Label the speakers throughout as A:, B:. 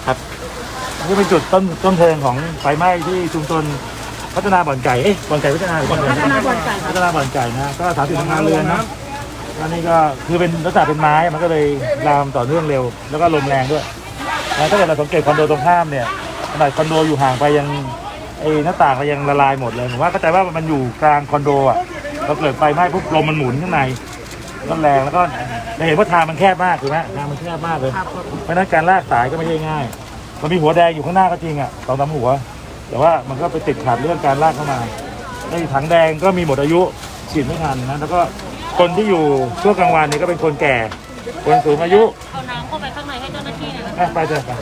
A: ครับ
B: นี่เป็นจุดต้นเพลิงของไฟไหม้ที่ชุมชนพัฒนาบ่อนไก่บ่อนไก่พัฒนาบ่อนไก่พัฒนาบ่อนไก่นะก็30 โรงงานเรือนนะแล้วนี่ก็คือเป็นลักษณะเป็นไม้มันก็เลยลามต่อเนื่องเร็วแล้วก็ลมแรงด้วยแล้วถ้าเกิดเราสังเกตคอนโดตรงข้ามเนี่ยขนาดคอนโดอยู่ห่างไปยังหน้าต่างเรายังละลายหมดเลยผมว่าเข้าใจว่ามันอยู่กลางคอนโดอ่ะเราเกิดไฟไหม้ปุ๊บลมมันหมุนข้างในก็แรงแล้วก็จะเห็นว่าทางมันแคบมากถูกไหมทางมันแคบมากเลยเพราะนั้นการลากสายก็ไม่ใช่ง่ายมันมีหัวแดงอยู่ข้างหน้าก็จริงอ่ะ2-3 หัวแต่ว่ามันก็ไปติดขัดเรื่องการลากเข้ามาในถังแดงก็มีหมดอายุฉีดไม่ทันนะแล้วก็คนที่อยู่ช่วงกลางวันนี่ก็เป็นคนแก่คนสูงอายุ
C: เอาน้ำเข้าไปข้างในให้เจ้าหน้าที่หน่อยนะ
B: ไปเถอะไป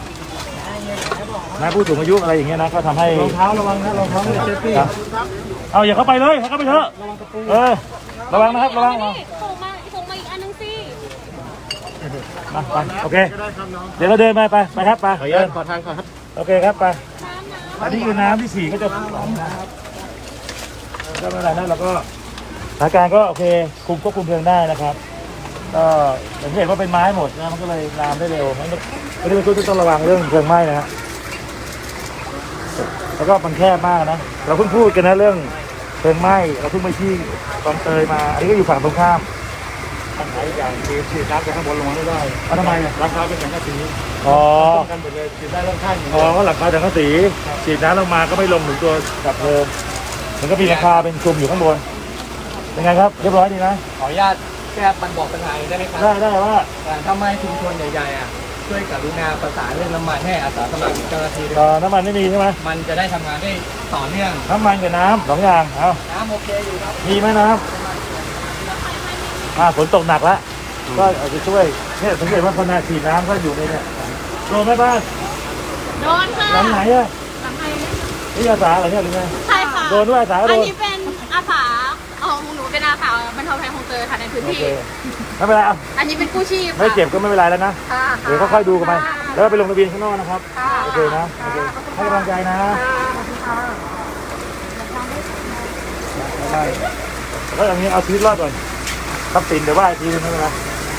B: นะผู้สูงอายุอะไรอย่างเงี้ยนะก็ทำให้รองเท้าระวังนะรองเท้าเซฟตี้เอาอย่าเข้าไปเลยเข้าไปเถอะระวังนะครับระวัง
C: ส่งมาอีกอันนึงสิ
B: มาไปโอเคเดี๋ยวเราเดินไปครับไป
A: ขออนุญาตขอทางก่อนครับ
B: โอเคครับไปอันนี้คือน้ำที่ฉี่ก็จะก็ไม่เป็นไรนะเราก็สถานการณ์ก็โอเคควบคุมเพลิงได้นะครับก็อย่างที่เห็นว่าเป็นไม้หมดนะมันก็เลยลามได้เร็วไม่ได้เป็นต้องระวังเรื่องเพลิงไหม้นะฮะแล้วก็มันแคบมากนะเราเพิ่งพูดกันนะเรื่องเพลิงไหม้เราเพิ่งไปที่คลองเตยมาอันนี้ก็อยู่ฝั่งตรงข้ามทางไหนอย่างฉีดน้ำจากข้างบนลงมาไม่ได้ทำไมราคาเป็นสังกะสีกันหมดเลยฉีดได้เรื่องข้างก็หลังคาสังกะสีฉีดน้ำลงมาก็ไม่ลงถึงตัวดับเพลิงมันก็มีราคาเป็นคลุมอยู่ข้างบนเป็นไงครับเรียบร้อยดีนะ
D: ขออนุญาตแค่มันบอกปัญหาได้ไหมครับ
B: ได้ว่า
D: ทำไมชุมชนใหญ่ๆช่วยกรุณาประสานเรื่องน้ำมันให้อาสาสมัครเจ้าหน้าที่ด้วย
B: น้ำมันไม่มีใช่ไหม
D: มันจะได้ทำงานได้ต่อเนื่อง
B: น้ำมันกับน้ำ2 อย่างเอา
D: น้ำโอเคอยู่ครับ
B: มีไหมน้ำฝนตกหนักแล้วก็อาจจะช่วยเนี่ยสังเกตว่าพอฉีดน้ำก็อยู่ในเนี่ยโดนไหมบ้าน
C: โดนค่ะ
B: หลังไหนอะ
C: หลังไหน
B: นี่อาสาเหรอเนี่ยหรือไง
C: ใช่ค่ะ
B: โดนด้วยอาสาโดน
C: อันนี้เป็นอาสาของหนูเป็นอาสาบรรเทาภัยคลองเตยค่ะในพื้นที่
B: ไม่เป็นไร
C: อันนี้เป็นกู้ชีพ
B: ไม่เจ็บก็ไม่เป็นไรแล้วนะเดี๋ยวค่อยๆดูกันไปแล้วไปลงทะเบียนข้างนอกนะครับโอเคนะโอเคให้กำลังใจนะได้แล้วอย่างนี้เอาชีวิตรอดก่อนทรัพย์สินเดี๋ยวว่าทีนึงไม่เป็นไร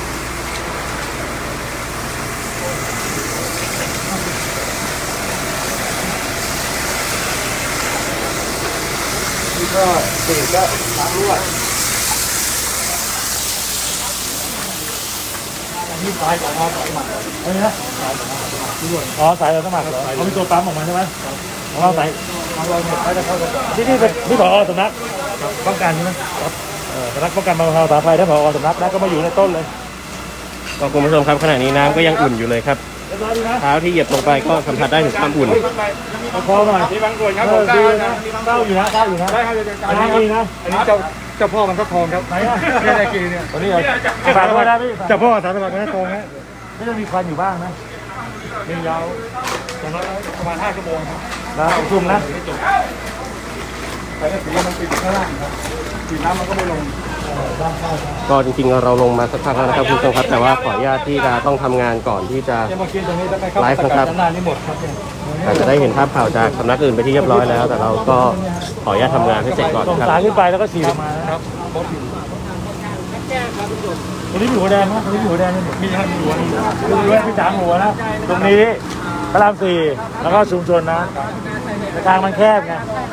B: นี่ก็ติดก็น้ำรั่วนี่สายของเราสมัครอะไรนะสายเราสมัครเขามีตัวปั๊มออกมาใช่ไหมของเราสายของเราเนี่ยเขาจะเข้าที่นี่เป็นที่ผอ.สำนักป้องกันใช่ไหมสำนักป้องกันบรรเทาสาธารณภัยถ้าผอ.สำนักนะก็มาอยู่ในต้นเลย
A: คุณผู้ชมครับขณะนี้น้ำก็ยังอุ่นอยู่เลยครับเท้าที่เหยียบลงไปก็สัมผัสได้ถึงความอุ่น
B: พอหน่อย
D: ที่บางส่วนครับผม
B: ดีนะเต้าอยู่นะ
D: ได้ครับ
B: อันนี้ดีนะ
D: อันนี้เจ้าพ่อมันก็ทองครับ
B: ไหนอ่ะ
D: ไม่ได้กินเนี่ย
B: วันนี้ฝากไว้ได้พี่
D: เจ้าพ่อสารสมัครมันก็ทองฮะ
B: ไม่ต้องมีควันอยู่บ้างนะ
D: มียาวอย่างน้อยประมาณ5 ชั่วโมงครับ
B: แล้วชุมนะ
D: แต่ถ้าสีมันติดข้างล่างครับสีน้ำมันก็ไม่ลง
A: ก็จริงๆเราลงมาสักพักแล้วนะครับคุณผู้ชมครับแต่ว่าขออนุญาตที่จะต้องทำงานก่อนที่จะไลฟ์นะครับอาจจะได้เห็นภาพข่าวจากสำนักอื่นไปที่เรียบร้อยแล้วแต่เราก็ขออนุญาตทำงานให้เสร็จก่อน
B: ส่งสายขึ้นไปแล้วก็ฉีดออกมาครับตรงนี้มีหัวแดงนะตรงนี้มีหัวแดงนี่
D: มีหัว
B: พี่3 หัวนะตรงนี้พระราม 4แล้วก็ชุมชนนะทางมันแคบไง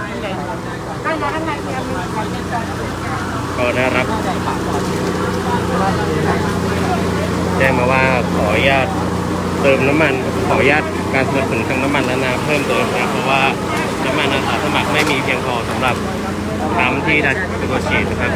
A: ก็ได้รับแจ้งมาว่าขออนุญาตเติมน้ำมันขออนุญาตการสนับสนุนทางน้ำมันและน้ำเพิ่มเติมนะเพราะว่าน้ำมันอาสาสมัครไม่มีเพียงพอสำหรับน้ำที่ได้ตัวฉีดนะครับ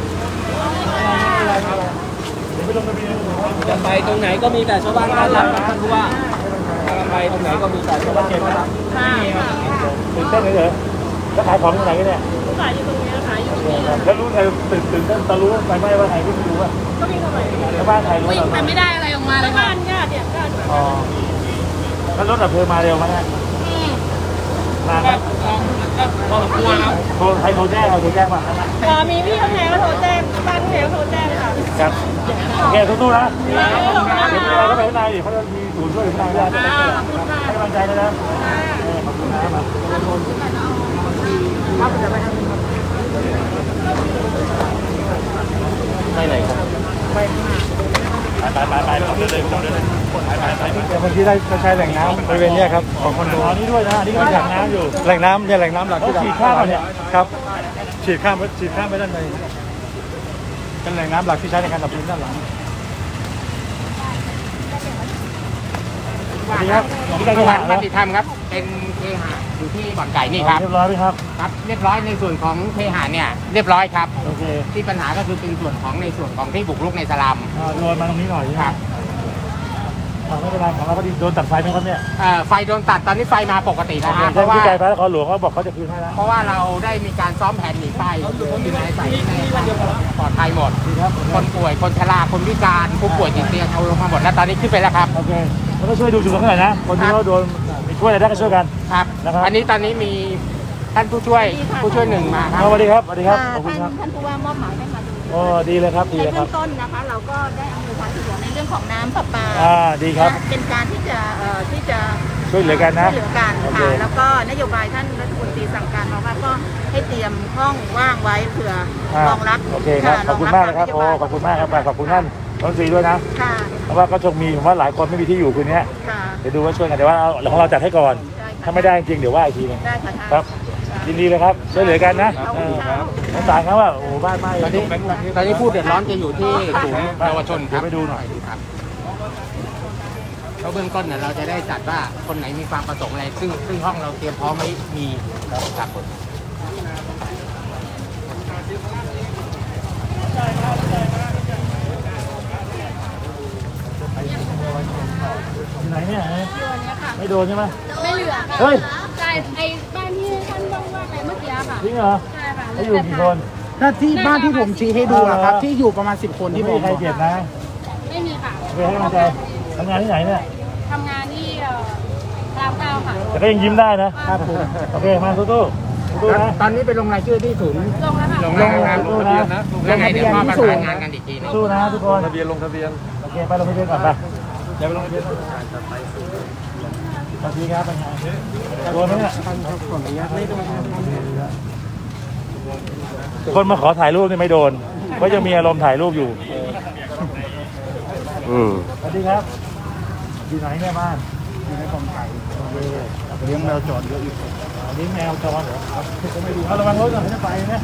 D: จะไปตรงไหนก็มีแต่ชาวบ้านต้อนรับท่านผู้ว่าไปตรงไหนก็มีแต่ชาวบ้านต้อนรับ
B: ตื่นเต้นเลยเหรอแล้วขายของที่ไหนกันเนี่ย
C: ขายอยู่ตรงนี้ขายอยู่ตรงนี้
B: แล้วรู้ใครตื่นเต้นตะรู้ไปไม่ว่าใครไม่รู้อ่ะ
C: ก็มีเข้าไป
B: ชาวบ้านใครรู้
C: แต่ไม่ได้อะไรออกมาเลยบ้านญาติ
B: อ๋อแล้วรถดับเพลิงมาเร็วไหมเนี่ยมาครับ
D: พอสมควรครับ
B: ใครโทรแจ้งเราโทรแจ้งมา
C: มีพี่ข้างในก็โทรแจ้งบ้านข้างในก็โทรแจ้งค่ะ
B: ครับแกสู้ๆนะเดี๋ยวเราไปข้างในดิเขาจะมีศูนย์ช่วยข้างในได้ให้กำลังใจนะขอบคุณนะ
A: ไปไหนครับ
B: ไปไปเดินเลยไป
D: เดี๋ยวเมื่อกี้ได้ใช้แหล่งน้ำบริเวณนี้ครับของคอนโด
B: นี่ด้วยนะนี่ก็เป็นแหล่งน้ำอยู่
D: แหล่งน้ำเนี่ยแหล่งน้ำหลักที่
B: ฉีดข้ามมาเนี่ย
D: ครับฉีดข้ามไปด้านในเป็นแหล่งน้ำหลักที่ใช้ในการดับเพลิงด้านหลัง
B: สวัสดีครับ
E: ที่เคหะมติธรรมครับ เป็นเคหะอยู่ที่บ่อนไก่นี่ครับ
B: เรียบร้อยไหมครับ
E: ครับ เรียบร้อยในส่วนของเคหะเนี่ยเรียบร้อยครับ
B: โอเค
E: ที่ปัญหาก็คือเป็นส่วนของในส่วนของที่บุกรุกในสลัม
B: โยนมาตรงนี้หน่อย
E: ครับ
B: ไม่เป็นไรของเราพอดีโดนตัดไฟไหมครับเนี่ย
E: ไฟโดนตัดตอนนี้ไฟมาปกติแล้วฮะเพ
B: เพราะ
E: ราะ
B: ว่า
E: ว่า
B: ไกลไปแล้วขอหลวงเขาบอกเขาจะคืนให้แล้ว
E: เพราะว่าเราได้มีการซ้อมแผนหนีไฟอยู่ในใส่ในปลอดภัยหมด
B: ดีครับ
E: คนป่วยคนชราคนพิการผู้ป่วยติดเตียงเอาลงมาหมดแล้วตอนนี้ขึ้นไปแล้วครับ
B: โอเคแล้วก็ช่วยดูจุดเขาหน่อยนะคนที่เขาโดนช่วยอะไรได้ก็ช่วยกัน
E: ครับ
B: นะครับ
E: อันนี้ตอนนี้มีท่านผู้ช่วยหนึ่งมาครับ
B: สวัสดีครับสวัสดีครับขอบคุณครับ
C: ท่านผู้ว่ามอบหมายให้มาดู
B: โอ้ดีเลยครับดี
C: ใน
B: เลยค
C: เบื้
B: รั
C: อบ งต้นนะคะ เราก็ได้อำนวยความสะดวกในเรื่องของน้ำประปา
B: ดีครับ
C: เป็นการที่จะ
B: ช่วยเหลือกันนะ
C: ช่วยเหลือกัน
B: โอเค
C: ค่ะแล้วก็นโยบายท่านรัฐมนตรีสั่งการมาว่าก็ให้เตรียมห้องว่างไว้เผื่อรองรับ
B: โอเคครับขอบคุณมากนะครับ
C: ร
B: โอ้
C: ง
B: ขอบคุณมากครับขอบคุณท่านรัฐมนตรีด้วยนะ
C: ค่ะ
B: เพราะว่าก็คงมีผมว่าหลายคนไม่มีที่อยู่คืนนี้
C: ค่ะ
B: เดี๋ยวดูว่าช่วยกันแต่ว่าเอาของเราจัดให้ก่อน
C: ได้ค่ะ
B: ถ้าไม่ได้จริงเดี๋ยวว่าอีกทีนึง
C: ได้ค่ะท่าน
B: ครับยินดีเลยครับช่วยเหลือกันนะ
C: ขอบคุณครับ
B: สงสารเขาว่าโอ้บ้านไหม้
E: ตอนนี้ผู้เดือดร้อนจะอยู่ที่ศูนย์เยาวชนครับ
B: ไปดูหน่อย
E: ครับแล้วเบื้องต้นเนี่ยเราจะได้จัดว่าคนไหนมีความประสงค์อะไรซึ่งห้องเราเตรียมพร้อมไว้มีครับผม
B: ที่ไหนเนี่ย
C: ตัวเนี้ยค่ะ
B: ไม่โดนใช่ไหม
C: ไม่เหลือค่ะ
B: เฮ้ย
C: ใช่ไอ้บ้านที่ท่านว่าไปเมื่อกี้ค่ะ
B: จริงเหรอ
C: ใช่ค่ะ
B: เขาอยู่กี่คน
F: ถ้าที่บ้านที่ผมชี้ให้ดูอะครับ ที่อยู่ประมาณ 10 คนที่
B: ไม่
F: ผ
B: มี
F: ม
B: ใคร
F: บอก
B: เจ็บนะ
C: ไม่มีค่ะ
B: ไปให้กำลังใจทำงานที่ไหนเนี่ย
C: ทำงานที่รามเก้าค่ะ
B: แต่ก็ยังยิ้มได้นะครับผมโอเคมาสู้ๆสู้ๆนะ
E: ตอนนี้ไปลงรายชื่อที่ศูนย์
C: ลงแล้วค่ะ
E: ลงแล้วครับ
B: สู้ๆนะ
E: แล้วไงเดี๋ยวพ่อประสานงานกันอีกทีหนึง
B: สู้นะทุกคน
D: ทะเบียนลงทะเบียน
B: โอเคไปลงทะเบียนก่อนไปเดี๋ยวไปลงทะเบียนก่อนสวัสดีครับเป็นไงโดนไหมเนี่ยคนมาขอถ่ายรูปนี่ไม่โดนเพราะยังมีอารมณ์ถ่ายรูปอยู่ สวัสดีครับอยู่ไหนเนี่ยบ้านอยู่ในกองไก่เลี้ยงแมวจรเยอะอยู่เลี้ยงแมวจรเหรอครับก็ไม่ดูเอาระวังรถก่อนจะไปนะ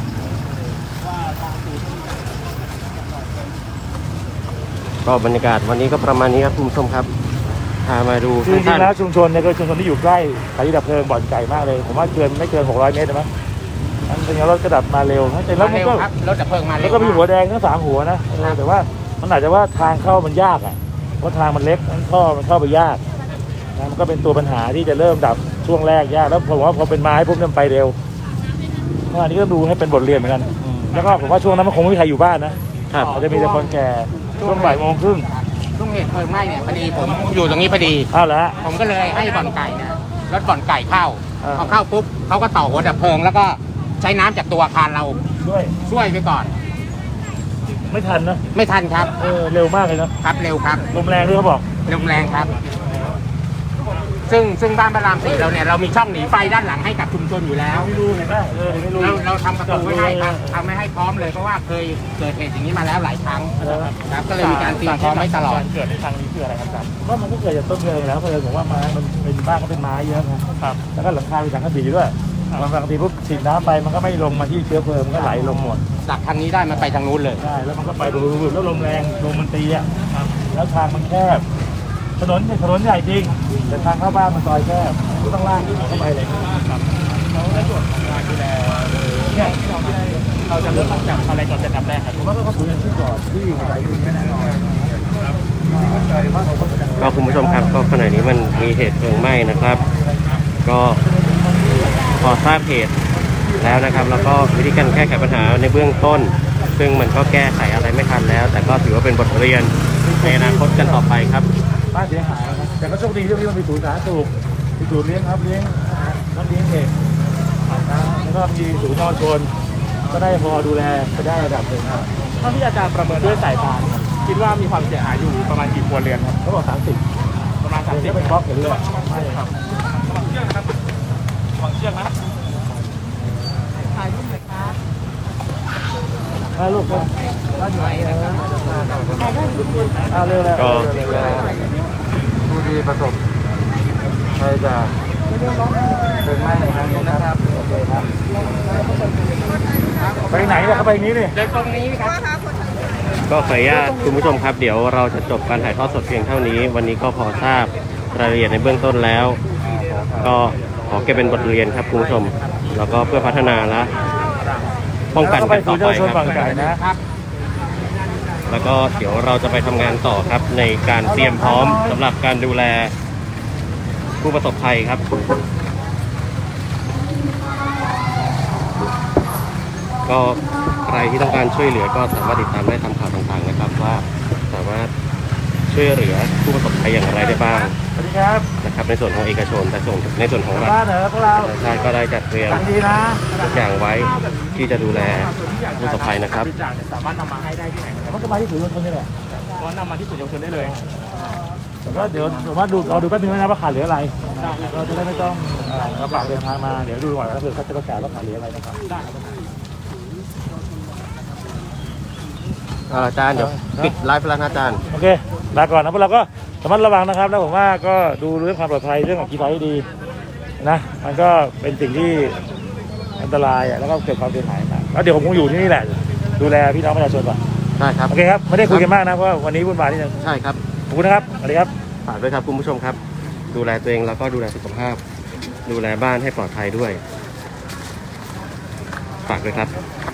A: ก็บรรยากาศวันนี้ก็ประมาณนี้ครับคุณผู้ชมครับพามาดู
B: คือจริ
A: ท่าง น
B: ๆแล้วชุมชนเนี่ยก็ชุมชนที่อยู่ใกล้สถานีดับเพลิงบ่อนไก่มากเลยผมว่าไม่เกิน600 เมตรใช่ไหมมันเป็นรถกระดับมาเร็วแต่แล้ว
E: มา
B: มัน
E: เร็ว
B: ก็
E: ครับรถดับเพลิงมาเร็
B: แล้ว วก็มีหัวแดงทั้ง3 หัวนะแต่ว่ามันอาจจะว่าทางเข้ามันยากอ่ะเพราะทางมันเล็กมันเข้าไปยากนะมันก็เป็นตัวปัญหาที่จะเริ่มดับช่วงแรกยากแล้วผมว่าพอเป็นไม้ปุ๊บเนี่ยมันไปเร็วอันนี้ก็ดูให้เป็นบทเรียนเหมือนกันแล้วก็ผมว่าช่วงนั้นมันคงไม่มีใครอยู่บ้านนะครับ อาจจะมีแต่คนแก่ช่วงบ่ายโมงครึ่ง
E: ช่วงเหตุเพลิงไหม้เนี่ยพอดีผมอยู่ตรงนี้พอดี
B: เอาละ
E: ผมก็เลยให้บ่อนไก่เนี่ยรถบ่อนไก่เข้า
B: อ่า
E: พอเข้าปุ๊บเขาก็ต่อหัวดับเพลิง แล้วก็ใช้น้ำจากตัวอาคารเรา
B: ด้วย
E: ช่วยไปก่อน
B: ไม่ทันนะ
E: ไม่ทันครับ
B: เร็วมากเลยนะครับ
E: เร็วครับ
B: ลมแรงด้วยเขาบอก
E: ลมแรงครับ ซึ่งบ้านพระราม4เราเนี่ยเรามีช่องหนีไฟด้านหลังให้กับชุมชนอยู่แล้ว
B: ไม่รู้เห็นไหมไม่รู้
E: เราทำประตูไว้ให้ครับทำไม่ให้พร้อมเลยเพราะว่าเคยเกิดเหตุอย่างนี้มาแล้วหลายครั้งครับก็เลยมีการเตรียมพร้อมไว้ตลอด
B: เกิดในทางนี้คืออะไรครับก็มันก็เกิดจากต้นเพลิงแล้วเพลิงผมว่าไม้มันเป็นบ้านก็เป็นไม้เยอะครับแล้วก็หลังคาเป็นสังกะสีด้วยบางทีปุ๊บฉีดน้ำไปมันก็ไม่ลงมาที่เชื้อเพลิงมันก็ไหลลงหมด
E: จากทางนี้ได้มันไปทางนู้นเลย
B: ใช่แล้วมันก็ไปดูแล้วลมแรงลมมันตีอ่ะแล้วทางมันแคบถนนใหญ่จริงแต่ทางเข้าบ้านมันซอยแคบก็ต้องลากเข้าไปเลยเราในส่วนของการดูแลเนี่ยเราจะเริ่มจากอะไรก่อนจะทำแรกครับผมว่าก็สูงขึ้นก่อนที่อยู่ในอยู่แน่นอน
A: ก็คุณผู้ชมครับก็ขณะนี้มันมีเหตุเพลิงไหม้นะครับ ก็พอทราบเหตุแล้วนะครับแล้วก็วิธีการแก้ไขปัญหาในเบื้องต้น ซึ่งมันก็แก้ไขอะไรไม่ทันแล้ว แต่ก็ถือว่าเป็นบทเรียนในอนาคตกันต่อไปครับ
B: บ้านเสียหายนะครับแต่ก็โชคดีที่มันมีศูนย์สาธารณสุขมีศูนย์เลี้ยงครับเลี้ยงน้ำเลี้ยงเด็กแล้วก็มีศูนย์เยาวชนก็ได้พอดูแลไปได้ระดับหนึ่งครับ
F: เท่าที่อาจารย์ประเมินด้วยสายตาเนี่ยคิดว่ามีความเสียหายอยู่ประมาณกี่ครัวเรือนครับ
B: เขาบอก30
F: ประมาณ
B: เดี๋ยว
F: 30
B: เป็นบล็อกเห็นเลยไม่ครับ
F: วางเชือกนะ
C: ถ่ายรูปหน่อยครับ
B: ลูกคนเร็วแล้วผู้ที่ประสบภัยจากเพลิงไหม้ในครั้งนี้นะครับโอเคครับไปไหนเนี่ยเขาไปนี้นี่
E: เดินตรงนี้ครับ
A: ก็ขออนุญาตคุณผู้ชมครับเดี๋ยวเราจะจบการถ่ายทอดสดเพียงเท่านี้ วันนี้ก็พอทราบรายละเอียดในเบื้องต้นแล้ว ก็ขอเก็บเป็นบทเรียนครับคุณผู้ชมแล้วก็เพื่อพัฒนาและป้องกันกันต่อไปครับแล้วก็เดี๋ยวเราจะไปทำงานต่อครับในการเตรียมพร้อมสำหรับการดูแลผู้ประสบภัยครับก็ใครที่ต้องการช่วยเหลือก็สามารถติดตามได้ตามข่าวต่างๆนะครับว่าสามารถช่วยเหลือผู้ประสบภัยอย่างไรได้บ้าง
B: สวัสดีครับ
A: นะครับในส่วนของเอกชนแต่ในส่วนของรัฐ
B: บ้านเหรอพวกเรา
A: ชาติก็ได้จัดเตรียม
B: ดีนะ
A: ทุกอย่างไว้ที่จะดูแลผู้ประสบภัยนะครับ
F: บริจาคเนี่ยสามารถนำมาให้ได้ที่ไหนนะครับ
B: มันก็มาที่ศูนย์รวมชนนี่แหละ
F: ก็นำมาที่ศูนย์เยาวชนได้เลย
B: แต่ก็เดี๋ยวผมว่าเราดูแป๊บนึงนะว่าขาดเหลืออะไรเราจะได้ไม่ต้องกระเป๋าเดินทางมาเดี๋ยวดูก่อนแล้วเผื่อเขาจะประกาศว่าขาดเหลืออะไรนะครับ
A: อาจารย์เดี๋ยวปิดไลฟ์แล้วนะอาจารย์
B: โอเคลาก่อนนะพวกเราก็ระมัดระวังนะครับแล้วผมว่าก็ดูเรื่องความปลอดภัยเรื่องของกีฬาให้ดีนะมันก็เป็นสิ่งที่อันตรายแล้วก็เกิดความเสียหายมากแล้วเดี๋ยวผมคงอยู่ที่นี่แหละดูแลพี่น้องประชาชนก่อน
A: ใช่ครับ
B: โอเคครับไม่ได้คุยกันมากนะเพราะว่าวันนี้วุ่นวายนิดนึง
A: ใช่ครับ
B: ขอบคุณนะครับสวัสดีครับ
A: ฝากด้วยครับคุณผู้ชมครับ ดูแลตัวเองแล้วก็ดูแลสุขภาพ ดูแลบ้านให้ปลอดภัยด้วยฝากด้วยครับ